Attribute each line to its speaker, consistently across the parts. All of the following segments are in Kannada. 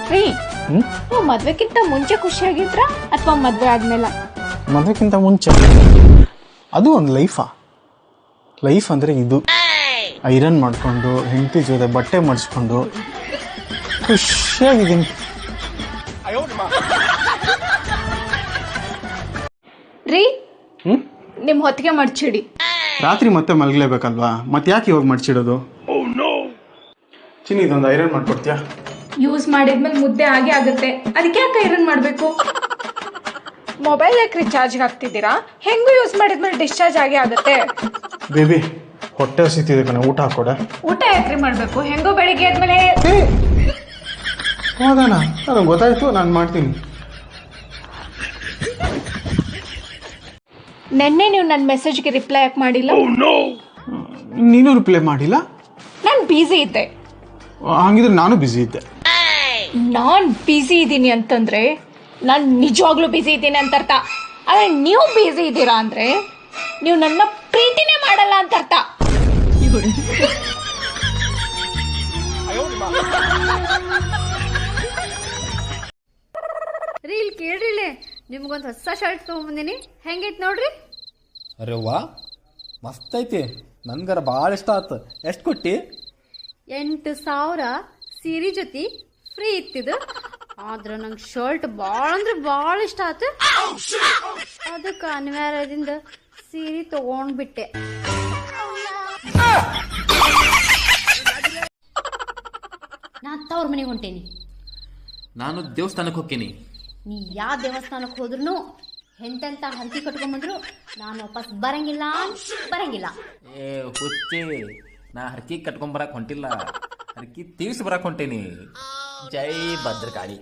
Speaker 1: ರೀ ನೀವು ಮದ್ವೆಕ್ಕಿಂತ ಮುಂಚೆ ಖುಷಿಯಾಗಿದ್ರ ಅಥವಾ ಮದ್ವೆ ಆದ್ಮೇಲೆ?
Speaker 2: ಮದ್ವೆಕ್ಕಿಂತ ಮುಂಚೆ. ಅದು ಒಂದು ಲೈಫ್ ಅಂದರೆ ಇದು. ಐರನ್ ಮಾಡಿಕೊಂಡು ಹೆಂಡತಿ ಜೊತೆ ಬಟ್ಟೆ ಮಡಿಸ್ಕೊಂಡು ಖುಷಿಯಾಗಿದ್ದೀನಿ.
Speaker 1: ರೀ ನಿಮ್ ಹೊತ್ತಿಗೆ ಮಡ್ಚಿಡಿ.
Speaker 2: ರಾತ್ರಿ ಮತ್ತೆ ಮಲಗಲೇಬೇಕಲ್ವಾ, ಮತ್ತೆ ಯಾಕೆ ಇವಾಗ ಮಡ್ಚಿಡೋದು? ಚಿನ್ನಿ ಇದೊಂದು ಐರನ್ ಮಾಡ್ಕೊಡ್ತೀಯಾ?
Speaker 1: ಯೂಸ್ ಮಾಡಿದ್ಮೇಲೆ ಮುದ್ದೆ ಆಗೇ ಆಗುತ್ತೆ, ಅದಕ್ಕೆ ಯಾಕೆ ಐರನ್ ಮಾಡಬೇಕು? ಮೊಬೈಲ್ ಯಾಕೆ ರಿಚಾರ್ಜ್ ಹಾಕ್ತಿದ್ದೀರಾ? ಹೆಂಗೂ ಯೂಸ್ ಮಾಡಿದ್ಮೇಲೆ ಡಿಸ್ಚಾರ್ಜ್ ಆಗೇ ಆಗುತ್ತೆ.
Speaker 2: ಬೇಬಿ ಹೊಟ್ಟೆ ಹಸಿತಿದೆ ಕಣೆ, ಊಟ ಹಾಕೊಡೆ.
Speaker 1: ಊಟ ಯಾಕ್ರಿ ಮಾಡಬೇಕು? ಹೆಂಗೋ ಬೆಳಿಗ್ಗೆ ಆದ್ಮೇಲೆ.
Speaker 2: ಹೌದಾನ, ನನಗೆ ಗೊತ್ತಾಯ್ತು, ನಾನು ಮಾಡ್ತೀನಿ.
Speaker 1: ನೆನ್ನೆ ನೀವು ನನ್ನ ಮೆಸೇಜ್ಗೆ ರಿಪ್ಲೈ ಯಾಕೆ ಮಾಡಿಲ್ಲ?
Speaker 2: ನೀನು ರಿಪ್ಲೈ ಮಾಡಿಲ್ಲ?
Speaker 1: ನಾನು ಬ್ಯುಸಿ ಇದ್ದೆ.
Speaker 2: ಹಂಗಿದ್ರೆ ನಾನು ಬ್ಯುಸಿ ಇದ್ದೆ.
Speaker 1: ನಾನು ಬ್ಯುಸಿ ಇದ್ದೀನಿ ಅಂತಂದ್ರೆ ನಾನು ನಿಜವಾಗ್ಲೂ ಬ್ಯುಸಿ ಇದ್ದೀನಿ ಅಂತ ಅರ್ಥ. ಆದರೆ ನೀವು ಬ್ಯುಸಿ ಇದ್ದೀರಾ ಅಂದರೆ ನೀವು ನನ್ನ ಪ್ರೀತಿನೇ ಮಾಡಲ್ಲ ಅಂತ ಅರ್ಥ.
Speaker 3: ರೀ ಇಲ್ಲಿ ಕೇಳ್ರಿ, ನಿಮ್ಗೊಂದು ಹೊಸ ಶರ್ಟ್ ತೊಗೊಂಬಂದಿನಿ, ಹೆಂಗೈತೆ ನೋಡ್ರಿ.
Speaker 4: ಅರೆ ವಾ, ಮಸ್ತ್ ಐತಿ, ನನ್ಗರ ಭಾಳ ಇಷ್ಟ ಆಯ್ತು. ಎಷ್ಟು ಕೊಟ್ಟಿ?
Speaker 3: 8,000 ಸೀರೆ ಜೊತೆ ಫ್ರೀ ಇತ್ತಿದು. ಆದ್ರೆ ನಂಗೆ ಶರ್ಟ್ ಭಾಳ ಅಂದ್ರೆ ಭಾಳ ಇಷ್ಟ ಆಯ್ತು. ಅದಕ್ಕೆ ಅನಿವಾರ್ಯದಿಂದ ಸೀರೆ ತಗೊಂಡ್ಬಿಟ್ಟೆ. ನಾ ತವ್ರ ಮನೆಗೆ ಹೊಂಟೇನಿ.
Speaker 4: ನಾನು ದೇವಸ್ಥಾನಕ್ಕೆ ಹೋಗ್ತೀನಿ.
Speaker 3: ನೀ ಯಾವ ದೇವಸ್ಥಾನಕ್ಕೆ ಹೋದ್ರು ಎಂತೆಂತ ಹರಕೆ ಕಟ್ಕೊಂಡ್ಬಂದ್ರು ನಾನು ವಾಪಸ್ ಬರಂಗಿಲ್ಲ.
Speaker 4: ಏ ಹುಚ್ಚಿ, ನಾ ಹರ್ಕಿ ಕಟ್ಕೊಂಬರಕ್ ಹೊಂಟಿಲ್ಲ, ಹರ್ಕಿ ತೀರ್ಸಿ ಬರಕ್ ಹೊಂಟೇನಿ. ಜೈ ಭದ್ರಕಾಳಿ.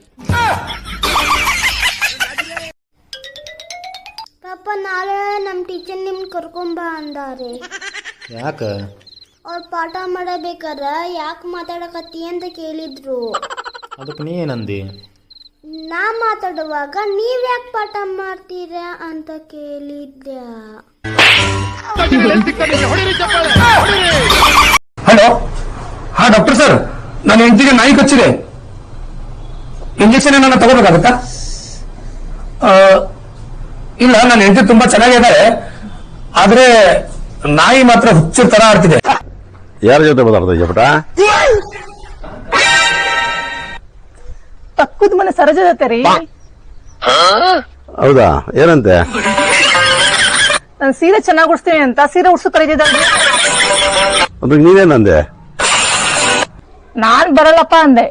Speaker 5: ಪಾಪ ನಾಳೆ ನಮ್ಮ ಟೀಚರ್ ನಿಮ್ಗೆ ಕರ್ಕೊಂಬ ಅಂದಾರೆ.
Speaker 4: ಯಾಕ?
Speaker 5: ಅವ್ರು ಪಾಠ ಮಾಡಬೇಕಾರ ಯಾಕೆ ಮಾತಾಡಕತ್ತಿ ಅಂತ ಕೇಳಿದ್ರು.
Speaker 4: ಅದಕ್ಕೆ ನೀ ಏನಂದಿ?
Speaker 5: ನಾ ಮಾತಾಡುವಾಗ ನೀವ್ ಯಾಕೆ ಪಾಠ ಮಾಡ್ತೀರಾ ಅಂತ ಕೇಳಿದ್ದೆ.
Speaker 6: ಹಲೋ, ಹಾ ಡಾಕ್ಟರ್ ಸರ್, ನನ್ನ ಹೆಂಡತಿಗೆ ನಾಯಿ ಕಚ್ಚಿದೆ, ಇಂಜೆಕ್ಷನ್ ಏನಾರ ತಗೋಬೇಕಾಗತ್ತಾ? ಇಲ್ಲ, ನನ್ನ ಹೆಂಡತಿ ತುಂಬಾ ಚೆನ್ನಾಗಿದ್ದಾರೆ, ಆದ್ರೆ ನಾಯಿ ಮಾತ್ರ ಹುಚ್ಚು ತರ ಆಡ್ತಿದೆ.
Speaker 7: ಯಾರ ಜೊತೆ ಮಾತಾಡ್ತಾ ಇದೆಯಾ ಪುಟ?
Speaker 1: ಪಕ್ಕದ ಮನೆ ಸರೋಜ ಜೊತೆ ರೀ.
Speaker 7: ಹೌದಾ, ಏನಂತೆ?
Speaker 1: ನಾನು ಸೀರೆ ಚೆನ್ನಾಗಿ ಉಡ್ಸ್ತೀನಿ ಅಂತ ಸೀರೆ ಉಡ್ಸು ಕರೀತಿದ್ದಾಳೆ.
Speaker 7: ಅದಕ್ಕೆ ನೀನೇನಂದೆ?
Speaker 1: ನಾನ್ ಬರಲ್ಲಪ್ಪ ಅಂದೆ.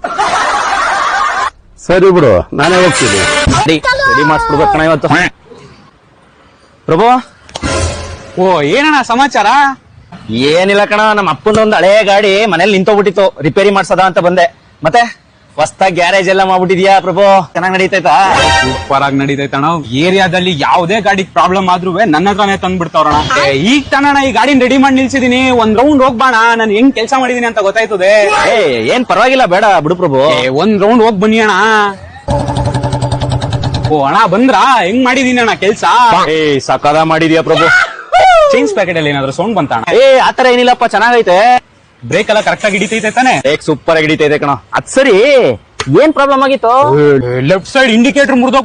Speaker 7: ಸರಿ ಬಿಡು, ನಾನೇ ಹೋಗ್ತೀನಿ.
Speaker 6: ರೆಡಿ ಮಾಡಿಸ್ಬಿಡ್ಬೇಕಣ್ಣ ಇವತ್ತು. ಪ್ರಭು,
Speaker 8: ಓ ಏನಣ್ಣ ಸಮಾಚಾರ?
Speaker 6: ಏನಿಲ್ಲ ಕಣ, ನಮ್ಮ ಅಪ್ಪನೊಂದು ಹಳೆ ಗಾಡಿ ಮನೇಲಿ ನಿಂತೋಗ್ಬಿಟ್ಟಿತ್ತು, ರಿಪೇರಿ ಮಾಡ್ಸದ ಅಂತ ಬಂದೆ. ಮತ್ತೆ ಹೊಸ್ತಾಗಿ ಗ್ಯಾರೇಜ್ ಎಲ್ಲ ಮಾಡ್ಬಿಟ್ಟಿದ್ಯಾ ಪ್ರಭು? ಚೆನ್ನಾಗಿ ನಡೀತೈತಾ?
Speaker 8: ಸೂಪರ್ ಆಗಿ ನಡೀತೈತಣ್ಣ. ಏರಿಯಾದಲ್ಲಿ ಯಾವುದೇ ಗಾಡಿ ಪ್ರಾಬ್ಲಮ್ ಆದ್ರೂ ನನ್ನ ಹತ್ರನೇ ತಂದ್ಬಿಡ್ತಾವ್ರಣ. ಈಗ ತಾನಣ್ಣ ಈ ಗಾಡಿನ ರೆಡಿ ಮಾಡಿ ನಿಲ್ಸಿದೀನಿ, ಒಂದ್ ರೌಂಡ್ ಹೋಗ್ಬಾಣ, ನಾನು ಹೆಂಗ್ ಕೆಲಸ ಮಾಡಿದೀನಿ ಅಂತ ಗೊತ್ತಾಯ್ತದೆ.
Speaker 6: ಏನ್ ಪರವಾಗಿಲ್ಲ, ಬೇಡ ಬಿಡು ಪ್ರಭು.
Speaker 8: ಒಂದ್ ರೌಂಡ್ ಹೋಗ್ ಬನ್ನಿ ಅಣ್ಣ. ಓ ಅಣ್ಣ ಬಂದ್ರಾ? ಹೆಂಗ್ ಮಾಡಿದೀನಿ ಅಣ್ಣ ಕೆಲ್ಸ?
Speaker 6: ಸಕದ ಮಾಡಿದ್ಯಾ ಪ್ರಭು.
Speaker 8: ಚೇಂಜ್ ಪ್ಯಾಕೆಟ್ ಅಲ್ಲಿ ಏನಾದ್ರು ಸೌಂಡ್ ಬಂತ?
Speaker 6: ಆತರ ಏನಿಲ್ಲಪ್ಪ, ಚೆನ್ನಾಗೈತೆ.
Speaker 8: ಬ್ರೇಕ್ ಎಲ್ಲ ಕರೆಕ್ಟ್ ಆಗಿ ಹಿಡಿತೈತೆ ತಾನೆ?
Speaker 6: ಸೂಪರ್ ಆಗಿ ಹಿಡಿತೈತೆ ಕಣ. ಅದ್ ಸರಿ, ಏನ್ ಪ್ರಾಬ್ಲಮ್ ಆಗಿತ್ತು?
Speaker 8: Left side indicator ಮುರಿದೋಗ್